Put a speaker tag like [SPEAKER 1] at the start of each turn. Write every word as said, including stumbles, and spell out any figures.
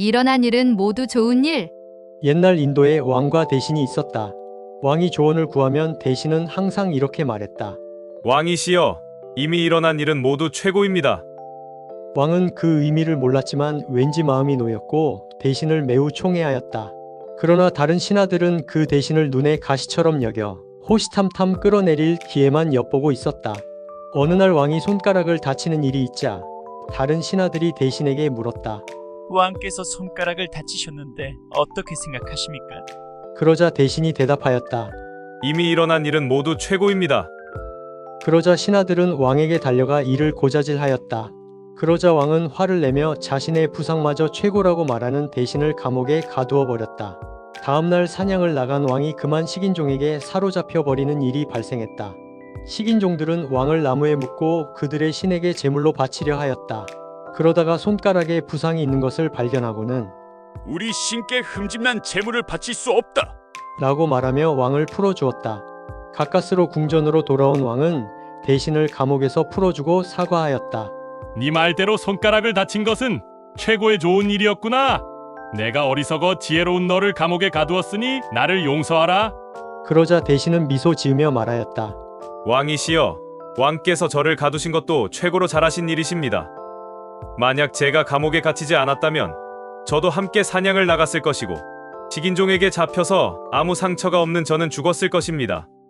[SPEAKER 1] 일어난 일은 모두 좋은 일.
[SPEAKER 2] 옛날 인도에 왕과 대신이 있었다. 왕이 조언을 구하면 대신은 항상 이렇게 말했다.
[SPEAKER 3] 왕이시여, 이미 일어난 일은 모두 최고입니다.
[SPEAKER 2] 왕은 그 의미를 몰랐지만 왠지 마음이 놓였고 대신을 매우 총애하였다. 그러나 다른 신하들은 그 대신을 눈에 가시처럼 여겨 호시탐탐 끌어내릴 기회만 엿보고 있었다. 어느 날 왕이 손가락을 다치는 일이 있자 다른 신하들이 대신에게 물었다.
[SPEAKER 4] 왕께서 손가락을 다치셨는데 어떻게 생각하십니까?
[SPEAKER 2] 그러자 대신이 대답하였다.
[SPEAKER 3] 이미 일어난 일은 모두 최고입니다.
[SPEAKER 2] 그러자 신하들은 왕에게 달려가 이를 고자질하였다. 그러자 왕은 화를 내며 자신의 부상마저 최고라고 말하는 대신을 감옥에 가두어 버렸다. 다음날 사냥을 나간 왕이 그만 식인종에게 사로잡혀 버리는 일이 발생했다. 식인종들은 왕을 나무에 묶고 그들의 신에게 제물로 바치려 하였다. 그러다가 손가락에 부상이 있는 것을 발견하고는
[SPEAKER 5] 우리 신께 흠집난 재물을 바칠 수 없다.
[SPEAKER 2] 라고 말하며 왕을 풀어주었다. 가까스로 궁전으로 돌아온 왕은 대신을 감옥에서 풀어주고 사과하였다.
[SPEAKER 6] 네 말대로 손가락을 다친 것은 최고의 좋은 일이었구나. 내가 어리석어 지혜로운 너를 감옥에 가두었으니 나를 용서하라.
[SPEAKER 2] 그러자 대신은 미소 지으며 말하였다.
[SPEAKER 3] 왕이시여, 왕께서 저를 가두신 것도 최고로 잘하신 일이십니다. 만약 제가 감옥에 갇히지 않았다면 저도 함께 사냥을 나갔을 것이고 식인종에게 잡혀서 아무 상처가 없는 저는 죽었을 것입니다.